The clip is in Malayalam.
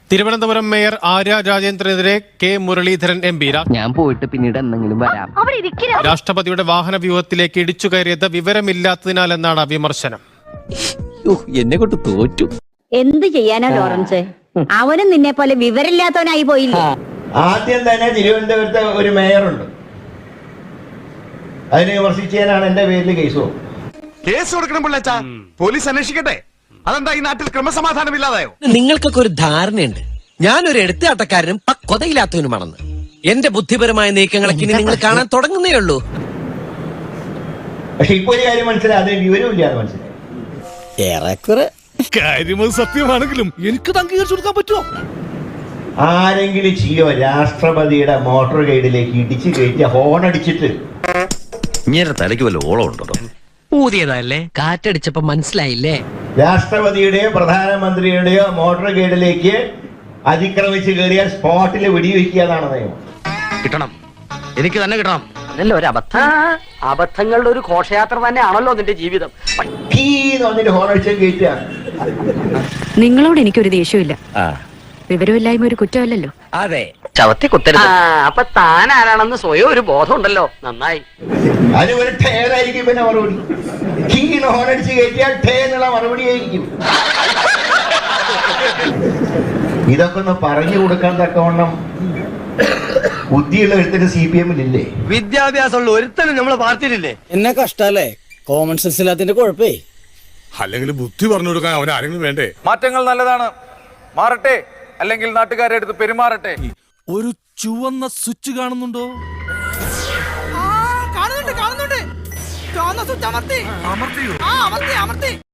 തിരുവനന്തപുരം മേയർ ആര്യ രാജേന്ദ്രനെതിരെ കെ മുരളീധരൻ എം പി ഞാൻ പോയിട്ട് പിന്നീട് എന്തെങ്കിലും വരാം. രാഷ്ട്രപതിയുടെ വാഹന വ്യൂഹത്തിലേക്ക് ഇടിച്ചു കയറിയത് വിവരമില്ലാത്തതിനാലെന്നാണ് വിമർശനം. എന്നെ കൊണ്ട് തോറ്റു. എന്ത് ചെയ്യാനാ ലോറൻസ്? അവനും നിന്നെ പോലെ വിവരമില്ലാത്തവനായി പോയില്ലേ? ആദ്യം തന്നെ തിരുവനന്തപുരത്ത് ഒരു മേയറുണ്ട്, അതിനെ വിമർശിച്ചതിനാണ് എന്റെ പേരിൽ കേസ് കൊടുക്കണം പിള്ളേച്ചാ. പോലീസ് അന്വേഷിക്കട്ടെ. അതെന്താ ഈ നാട്ടിൽ ക്രമസമാധാനം ഇല്ലാതായോ? നിങ്ങൾക്കൊക്കെ ഒരു ധാരണയുണ്ട് ഞാനൊരു എടുത്തുകാട്ടക്കാരനും പക്വതയില്ലാത്തവനുമാണെന്ന്. എന്റെ ബുദ്ധിപരമായ നീക്കങ്ങളൊക്കെ ഇനി നിങ്ങൾ കാണാൻ തുടങ്ങുന്നേ ഉള്ളൂ. പക്ഷെ ഇപ്പൊ ഒരു കാര്യം മനസ്സിലായി, അതിന് വിവരമില്ലാതെ മനസ്സിലായി. ഏറെക്കുറെ കാര്യമത് സത്യമാണെങ്കിലും എനിക്ക് അംഗീകരിച്ചു കൊടുക്കാൻ പറ്റുമോ? ആരെങ്കിലും ചെയ്യോ രാഷ്ട്രപതിയുടെ മോട്ടോർ ഗൈഡിലേക്ക് ഇടിച്ചു കയറ്റി ഹോൺ അടിച്ചിട്ട്? ഇങ്ങനെ തലയ്ക്ക് വല്ല ഓളം ഉണ്ടോ? ഊതിയതല്ലേ, കാറ്റടിച്ചപ്പോ മനസ്സിലായില്ലേ? രാഷ്ട്രപതിയുടെയോ പ്രധാനമന്ത്രിയുടെയോ മോട്ടോർ ഗൈഡിലേക്ക് അതിക്രമിച്ച് കയറിയാൽ സ്പോട്ടിൽ വെടിവെക്കുക എന്നാണ് നിയമം. കിട്ടണം, എനിക്ക് തന്നെ കിട്ടണം. ഒരു അബദ്ധം. അബദ്ധങ്ങളുടെ ഒരു ഘോഷയാത്ര തന്നെയാണല്ലോ നിന്റെ ജീവിതം. വന്നിട്ട് ഹോൺ അടിച്ച് കയറ്റുക. നിങ്ങളോട് എനിക്കൊരു ദേഷ്യമില്ല. വിവരമില്ലായ്മ ഒരു കുറ്റമല്ലല്ലോ. അതെ, ചവത്തി കുത്തരുത്. അപ്പൊ താൻ ആരാണെന്ന് സ്വയം ഒരു ബോധം ഉണ്ടല്ലോ. നന്നായി. അത് ഒരു ടയറായിരിക്കും പിന്നെ മറുപടി. ഹോൺ അടിച്ച് കയറ്റിയാൽ ടേ എന്നുള്ള മറുപടി ആയിരിക്കും. ഇതൊക്കെ ഒന്ന് പറഞ്ഞു കൊടുക്കാൻ തക്കവണ്ണം ബുദ്ധിയുള്ള ഒരുത്തന് CPM ഇല്ലേ? വിദ്യാഭ്യാസമുള്ള ഒരുത്തനും നമ്മളെ പാർട്ടിയിലില്ലേ? എന്നെ കഷ്ടല്ലേ, കോമൺ സെൻസ് ഇല്ലാത്തിന്റെ കുഴപ്പേ. അല്ലെങ്കിൽ ബുദ്ധി പറഞ്ഞു കൊടുക്കാൻ അവൻ ആരെങ്കിലും വേണ്ടേ? മാറ്റങ്ങൾ നല്ലതാണ്, മാറട്ടെ, അല്ലെങ്കിൽ നാട്ടുകാരെ അടുത്ത് പെരുമാറട്ടെ. ഒരു ചുവന്ന സ്വിച്ച് കാണുന്നുണ്ടോ? കാണുന്നുണ്ട്. ചുവന്ന സ്വിച്ച് അമർത്തി.